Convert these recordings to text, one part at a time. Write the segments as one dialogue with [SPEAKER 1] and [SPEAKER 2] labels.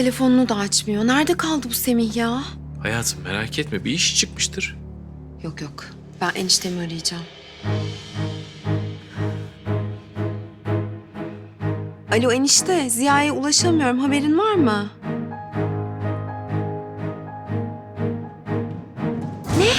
[SPEAKER 1] telefonunu da açmıyor. Nerede kaldı bu Semih ya?
[SPEAKER 2] Hayatım merak etme, bir iş çıkmıştır.
[SPEAKER 1] Yok yok. Ben eniştemi arayacağım. Alo enişte, Ziya'ya ulaşamıyorum. Haberin var mı? Ne?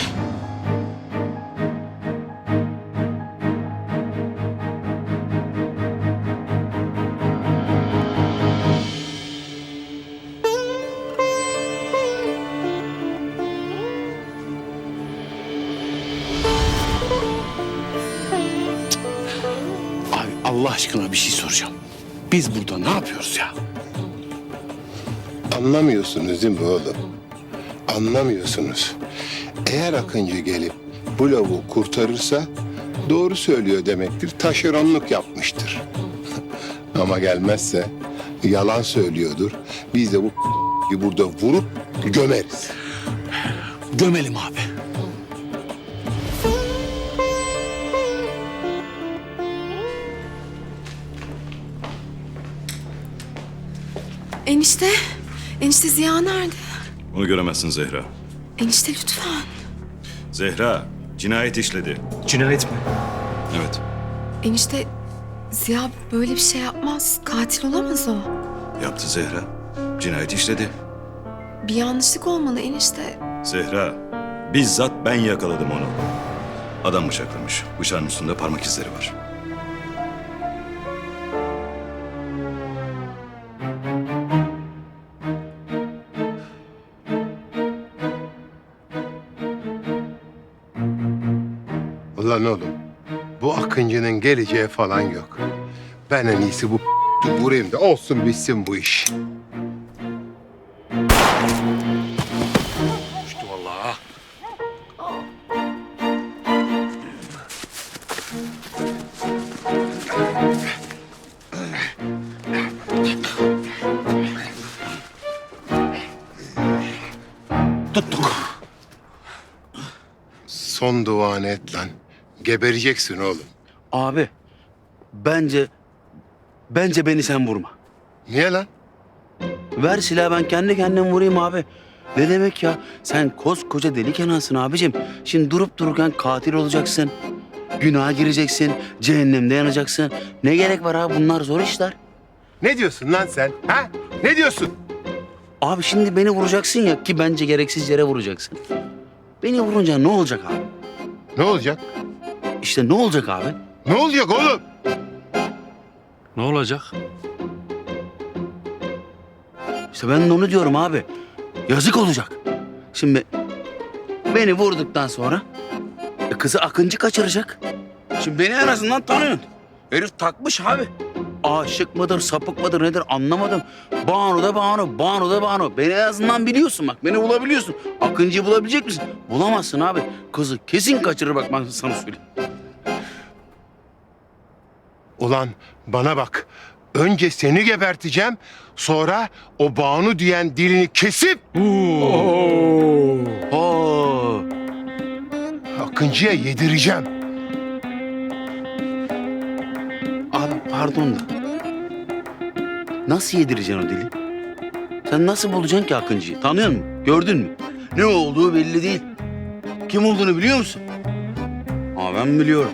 [SPEAKER 3] Abi Allah aşkına bir şey soracağım. Biz burada ne yapıyoruz ya?
[SPEAKER 4] Anlamıyorsunuz değil mi oğlum? Anlamıyorsunuz. Eğer Akıncı gelip bu lavuğu kurtarırsa doğru söylüyor demektir. Taşeronluk yapmıştır. Ama gelmezse yalan söylüyordur. Biz de bu burada vurup gömeriz.
[SPEAKER 3] Gömelim abi.
[SPEAKER 1] Enişte, enişte Ziya nerede?
[SPEAKER 5] Onu göremezsin Zehra.
[SPEAKER 1] Enişte lütfen.
[SPEAKER 5] Zehra cinayet işledi.
[SPEAKER 2] Cinayet mi?
[SPEAKER 5] Evet.
[SPEAKER 1] Enişte Ziya böyle bir şey yapmaz. Katil olamaz o.
[SPEAKER 5] Yaptı Zehra. Cinayet işledi.
[SPEAKER 1] Bir yanlışlık olmalı enişte.
[SPEAKER 5] Zehra bizzat ben yakaladım onu. Adam bıçaklamış. Bıçağın üstünde parmak izleri var.
[SPEAKER 4] Ulan oğlum, bu Akıncı'nın geleceği falan yok. Ben en iyisi bu vurayım da olsun bitsin bu iş.
[SPEAKER 3] Uçtu vallahi. Tuttuk.
[SPEAKER 4] Son duanı et lan. Gebereceksin oğlum.
[SPEAKER 3] Abi bence beni sen vurma.
[SPEAKER 4] Niye lan?
[SPEAKER 3] Ver silahı ben kendi kendime vurayım abi. Ne demek ya? Sen koskoca deli Kenan'sın abicim. Şimdi durup dururken katil olacaksın. Günaha gireceksin. Cehennemde yanacaksın. Ne gerek var abi? Bunlar zor işler.
[SPEAKER 4] Ne diyorsun lan sen? Ha? Ne diyorsun?
[SPEAKER 3] Abi şimdi beni vuracaksın ya ki bence gereksiz yere vuracaksın. Beni vurunca ne olacak abi?
[SPEAKER 4] Ne olacak?
[SPEAKER 3] İşte ne olacak abi?
[SPEAKER 4] Ne olacak oğlum?
[SPEAKER 2] Ne olacak?
[SPEAKER 3] İşte ben de onu diyorum abi. Yazık olacak. Şimdi beni vurduktan sonra kızı Akıncı kaçıracak. Şimdi beni en azından tanıyorsun. Herif takmış abi. Aşık mıdır, sapık mıdır nedir anlamadım. Banu da Banu, Banu da Banu. Beni en azından biliyorsun bak. Beni bulabiliyorsun. Akıncı'yı bulabilecek misin? Bulamazsın abi. Kızı kesin kaçırır bak ben sana söyleyeyim.
[SPEAKER 4] Ulan bana bak. Önce seni geberteceğim. Sonra o Banu diyen dilini kesip
[SPEAKER 3] Oo.
[SPEAKER 4] Akıncı'ya yedireceğim.
[SPEAKER 3] Abi pardon da. Nasıl yedireceksin o dili? Sen nasıl bulacaksın ki Akıncı'yı? Tanıyor musun? Gördün mü? Ne olduğu belli değil. Kim olduğunu biliyor musun? Ama ben biliyorum.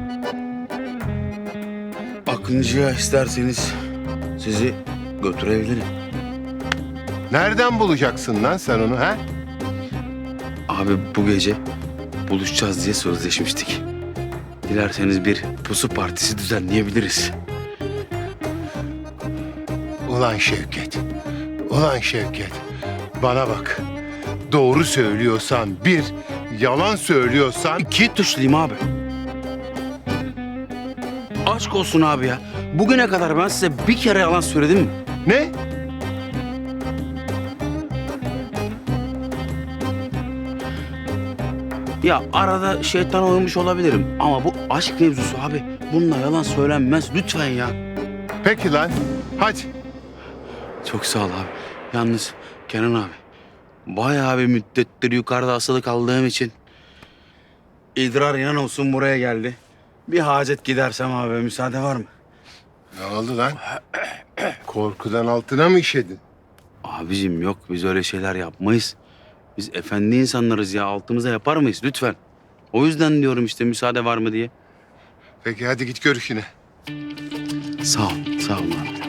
[SPEAKER 3] Akıncı'ya isterseniz sizi götürebilirim.
[SPEAKER 4] Nereden bulacaksın lan sen onu ha?
[SPEAKER 3] Abi bu gece buluşacağız diye sözleşmiştik. Dilerseniz bir pusu partisi düzenleyebiliriz.
[SPEAKER 4] Ulan Şevket. Ulan Şevket. Bana bak. Doğru söylüyorsan bir, yalan söylüyorsan
[SPEAKER 3] İki tuşluyum abi. Aşk olsun abi ya. Bugüne kadar ben size bir kere yalan söyledim mi?
[SPEAKER 4] ne?
[SPEAKER 3] Ya arada şeytan oymuş olabilirim ama bu aşk mevzusu abi. Bununla yalan söylenmez lütfen ya.
[SPEAKER 4] Peki lan. Hadi.
[SPEAKER 3] Çok sağ ol abi. Yalnız Kenan abi bayağı bir müddettir yukarıda asılı kaldığım için idrar inan olsun buraya geldi. Bir hacet gidersem abi müsaade var mı?
[SPEAKER 4] Ne oldu lan? Korkudan altına mı işedin?
[SPEAKER 3] Abicim yok, biz öyle şeyler yapmayız. Biz efendi insanlarız ya, altımıza yapar mıyız lütfen? O yüzden diyorum işte, müsaade var mı diye.
[SPEAKER 4] Peki hadi git gör işine.
[SPEAKER 3] Sağ ol abi.